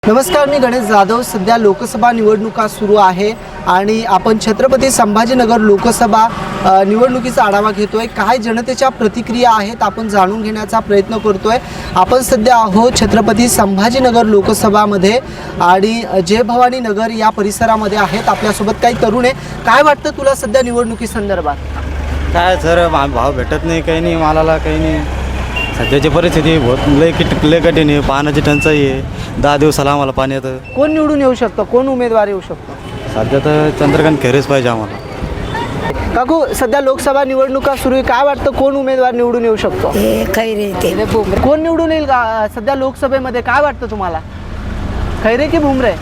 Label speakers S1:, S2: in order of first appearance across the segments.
S1: नमस्कार, मी गणेश जाधव। सध्या लोकसभा निवडणुका सुरू आहे आणि आपण छत्रपती संभाजीनगर लोकसभा निवडणुकीचा आढावा घेतोय। काय जनतेच्या प्रतिक्रिया आहेत आपण जाणून घेण्याचा प्रयत्न करतोय। आपण सध्या आहोत छत्रपती संभाजीनगर लोकसभामध्ये आणि जय भवानी नगर या परिसरामध्ये आहेत। आपल्यासोबत काही तरुण आहे। काय वाटतं तुला सध्या निवडणुकी संदर्भात?
S2: काय सर, भाव भेटत नाही, काही नाही, मालाला काही नाही। सध्याची परिस्थिती बहुत लय कठीण आहे। पाण्याची टंचाई आहे, 10 दिवसाला आम्हाला पाणी येतं।
S1: कोण निवडून येऊ शकतो? कोण उमेदवार येऊ शकतो?
S2: सध्या तर चंद्रकांत खैरेच पाहिजे आम्हाला।
S1: काकू, सध्या लोकसभा निवडणुका सुरू आहे। काय वाटतं कोण उमेदवार निवडून येऊ शकतो?
S3: खैरे ते
S1: कोण निवडून येईल सध्या लोकसभेमध्ये? काय वाटतं तुम्हाला, खैरे की भुमरे?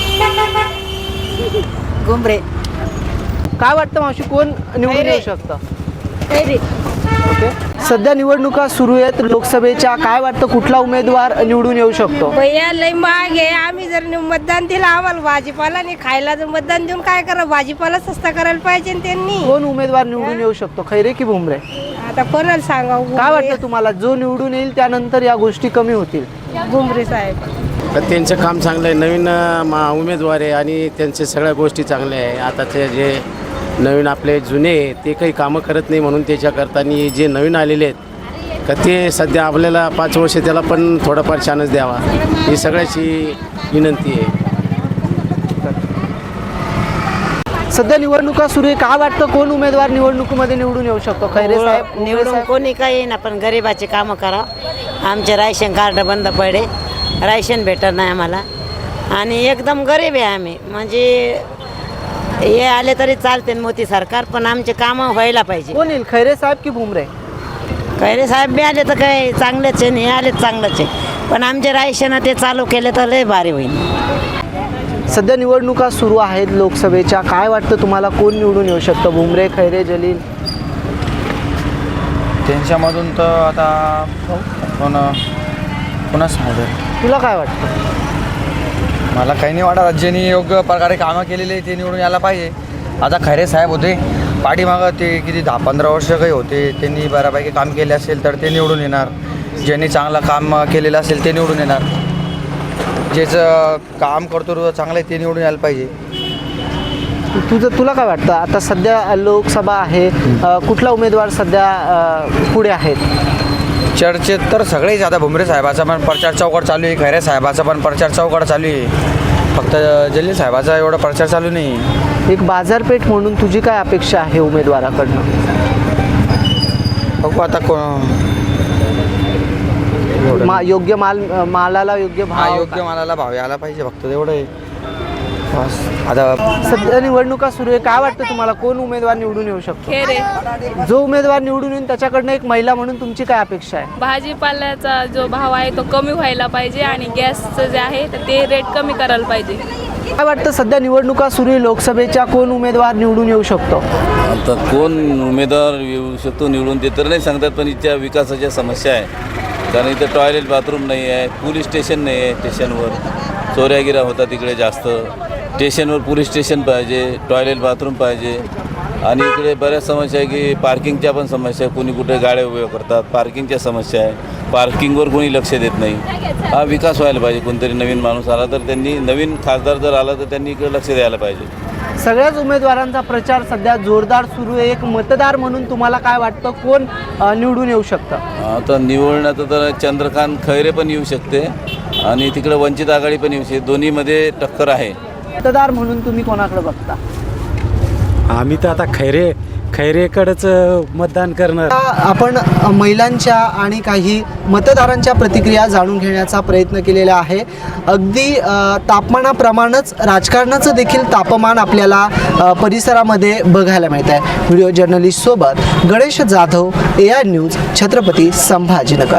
S3: घुमरे
S1: काय वाटतं मावशी, कोण निवडून
S3: खैरे.
S1: येऊ शकतं?
S3: खैरे
S1: ओके, सध्या निवडणुका सुरू आहेत लोकसभेच्या। काय वाटतं कुठला उमेदवार निवडून येऊ शकतो?
S3: भैया लय महाग आहे। आम्ही जर मतदान दिलं, आम्हाला भाजीपाला नाही खायला, जर मतदान देऊन काय करा, भाजीपाला सस्ता करायला पाहिजे ना त्यांनी।
S1: कोण उमेदवार निवडून येऊ शकतो, खैरे की भुमरे?
S3: आता कोणाला सांगावं?
S1: काय वाटतं तुम्हाला, जो निवडून येईल त्यानंतर या गोष्टी कमी होतील?
S3: घुमरे साहेब
S4: तर त्यांचं काम चांगलं आहे। नवीन उमेदवार आहे आणि त्यांचे सगळ्या गोष्टी चांगल्या आहे। आताचे जे नवीन आपले जुने ते काही कामं करत नाही, म्हणून त्याच्याकरता जे नवीन आलेले आहेत का ते सध्या आपल्याला 5 वर्ष त्याला पण थोडाफार चान्स द्यावा, ही सगळ्याची विनंती आहे।
S1: सध्या निवडणुका सुरू आहे। काय वाटतं कोण उमेदवार निवडणुकीमध्ये निवडून येऊ शकतो? खैरे साहेब, भुमरे
S5: निवडून
S1: साहेब?
S5: कोणी काही येईन, आपण गरिबाचे कामं करा। आमचे राशन कार्ड बंद पडे, राशन भेटत नाही आम्हाला आणि एकदम गरीब आहे आम्ही। म्हणजे हे आले तरी चालते मोदी सरकार, पण आमचे कामं व्हायला पाहिजे।
S1: कोण येईल, खैरे साहेब की भुमरे?
S5: खैरे साहेब बी आले तर काही चांगलेच आहे, हे आले चांगलंच आहे, पण आमचे राशन ते चालू केले तर लय भारी होईल।
S1: सध्या निवडणुका सुरू आहेत लोकसभेच्या। काय वाटतं तुम्हाला कोण निवडून येऊ शकतं, भुमरे, खैरे, जलील?
S2: त्यांच्यामधून तर आता पुन्हा सांगतो,
S1: तुला काय वाटतं?
S6: मला काही नाही वाटत। ज्यांनी योग्य प्रकारे कामं केलेली आहे ते निवडून यायला पाहिजे। आता खैरे साहेब होते पाठीमागं, ते किती 10-15 वर्ष काही होते, त्यांनी बऱ्यापैकी काम केले असेल तर ते निवडून येणार। ज्यांनी चांगलं काम केलेलं असेल ते निवडून येणार। ज्याचं काम करतो चांगलं आहे ते निवडून यायला पाहिजे।
S1: तुला काय वाटतं, आता सध्या लोकसभा आहे, कुठला उमेदवार सध्या पुढे आहेत?
S6: चर्चेत तर सगळेच, आता भुमरे साहेबाचा पण प्रचार चौकट चालू आहे, खैरे साहेबाचा पण प्रचार चौकट चालू आहे, फक्त जलील साहेबाचा एवढा प्रचार चालू नाही।
S1: एक बाजारपेठ म्हणून तुझी काय अपेक्षा आहे उमेदवाराकडनं?
S6: बघू आता
S1: योग्य मालाला योग्य भाव,
S6: योग्य मालाला भाव यायला पाहिजे, फक्त एवढं आहे बस। आता
S1: सध्या निवडणुका सुरू आहे। काय वाटतं तुम्हाला कोण उमेदवार निवडून येऊ शकतो?
S7: खैरे।
S1: जो उमेदवार निवडून येईल त्याच्याकडनं एक महिला म्हणून तुमची काय अपेक्षा आहे?
S7: भाजीपाल्याचा जो भाव आहे तो कमी व्हायला पाहिजे आणि गॅसचं जे आहे तर ते रेट कमी करायला पाहिजे।
S1: काय वाटतं सध्या निवडणुका सुरू आहे लोकसभेच्या, कोण उमेदवार निवडून येऊ शकतो?
S8: आता कोण उमेदवार येऊ शकतो निवडून ते तर नाही सांगतात, पण इथच्या विकासाच्या समस्या आहे। कारण इथं टॉयलेट बाथरूम नाही आहे, पोलीस स्टेशन नाही आहे, स्टेशनवर चोऱ्यागिऱ्या होतात तिकडे जास्त। स्टेशनवर पोलीस स्टेशन पाहिजे, टॉयलेट बाथरूम पाहिजे आणि इकडे बऱ्याच समस्या आहे की पार्किंगच्या पण समस्या आहे। कोणी कुठे गाड्या उभ्या करतात, पार्किंगच्या समस्या आहे, पार्किंगवर कोणी लक्ष देत नाही। हा विकास व्हायला पाहिजे। कोणतरी नवीन माणूस आला तर त्यांनी, नवीन खासदार जर आला तर त्यांनी इकडे लक्ष द्यायला पाहिजे।
S1: सगळ्याच उमेदवारांचा प्रचार सध्या जोरदार सुरू आहे। एक मतदार म्हणून तुम्हाला काय वाटतं कोण निवडून येऊ शकतं?
S8: आता निवडण्याचं तर चंद्रकांत खैरे पण येऊ शकते आणि तिकडे वंचित आघाडी पण येऊ शकते, दोन्हीमध्ये टक्कर आहे।
S1: मतदार म्हणून तुम्ही कोणाकडे बघता?
S2: आम्ही तर आता खैरेकडेच मतदान करणार।
S1: आपण महिलांच्या आणि काही मतदारांच्या प्रतिक्रिया जाणून घेण्याचा प्रयत्न केलेला आहे। अगदी तापमानाप्रमाणेच राजकारणाचं देखील तापमान आपल्याला परिसरामध्ये बघायला मिळत आहे। व्हिडिओ जर्नलिस्ट सोबत गणेश जाधव, AR न्यूज, छत्रपती संभाजीनगर।